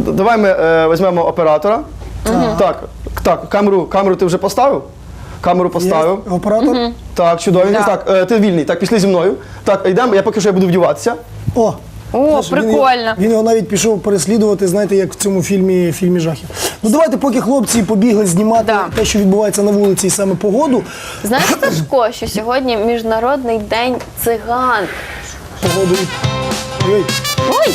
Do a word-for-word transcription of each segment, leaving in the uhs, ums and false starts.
давай ми е, візьмемо оператора. Ага. Так, так, камеру, камеру ти вже поставив? Камеру поставив. Є оператор? Угу. Так, чудово. Да. Так, е, ти вільний. Так, пішли зі мною. Так, йдемо, я поки що я буду вдіватися. О! О, Знаєш, прикольно. Він, він його навіть пішов переслідувати, знаєте, як в цьому фільмі, фільмі жахів. Ну давайте, поки хлопці побігли знімати Да. те, що відбувається на вулиці, і саме погоду. Знаєш, Сашко, що сьогодні Міжнародний день циган? Погоду і... Ой, Ой!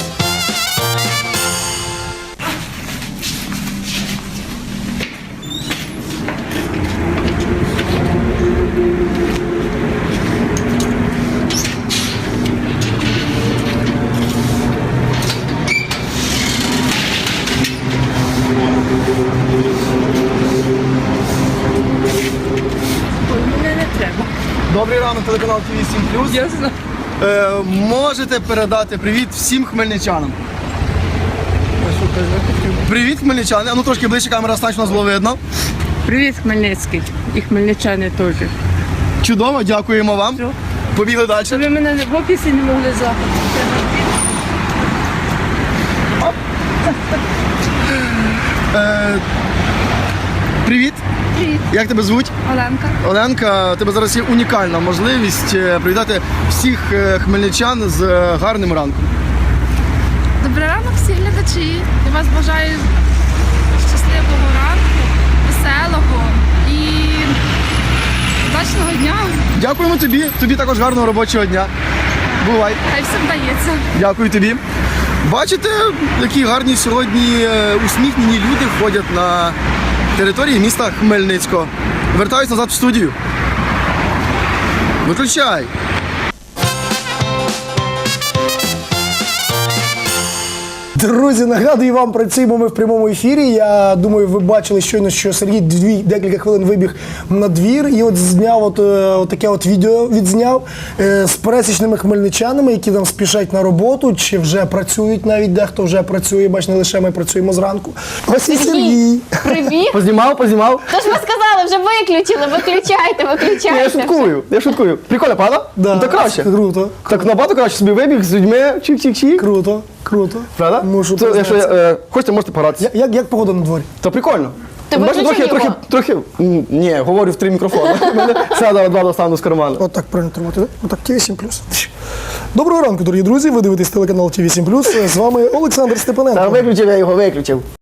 Добрий ранок, телеканал Ті Ві сім плюс. Ясно. Е, можете передати привіт всім хмельничанам. Привіт, хмельничани. А ну трошки ближче камера стань, щоб нас було видно. Привіт, Хмельницький. І хмельничани теж. Чудово, дякуємо вам. Все. Побігли далі. Ви мене в офісі не могли захопити. Е, привіт. Привіт, Як тебе звуть? Оленка. Оленка, у тебе зараз є унікальна можливість е, привітати всіх е, хмельничан з е, гарним ранком. Добрий ранок всі глядачі. Я вас бажаю щасливого ранку, веселого і удачного дня. Дякуємо тобі. Тобі також гарного робочого дня. Бувай. Хай все вдається. Дякую тобі. Бачите, які гарні сьогодні е, усміхнені люди ходять на території міста Хмельницького. Вертаюсь назад в студію. Виключай. Друзі, нагадую вам, працюємо ми в прямому ефірі. Я думаю, ви бачили щойно, що Сергій дві, декілька хвилин вибіг на двір і от зняв от, е, от таке от відео відзняв е, з пересічними хмельничанами, які там спішать на роботу, чи вже працюють, навіть дехто вже працює, бач, не лише ми працюємо зранку. Ось і Сергій. Привіт! Познімав, познімав. Тож ми сказали, вже виключили, виключайте, Ні, виключайте. я шуткую, я шуткую. Прикольно, правда? Да, Ну, так краще. Круто, Так набагато краще собі вибіг з людьми, чик-чик-чик. круто, круто. Правда? Мушу Це, якщо признатися. е, хочете, можете погратися. Я- Як, як погода на дворі? То прикольно. Ти Бачите, виключив трохи, його? трохи, трохи, м, ні, говорю в три мікрофони. У мене сяда два достану з карману. От так правильно тримати. Отак, Ті Ві сім плюс. Доброго ранку, дорогі друзі. Ви дивитесь телеканал Ті Ві сім плюс. З вами Олександр Та Степаненко. виключив, я його виключив.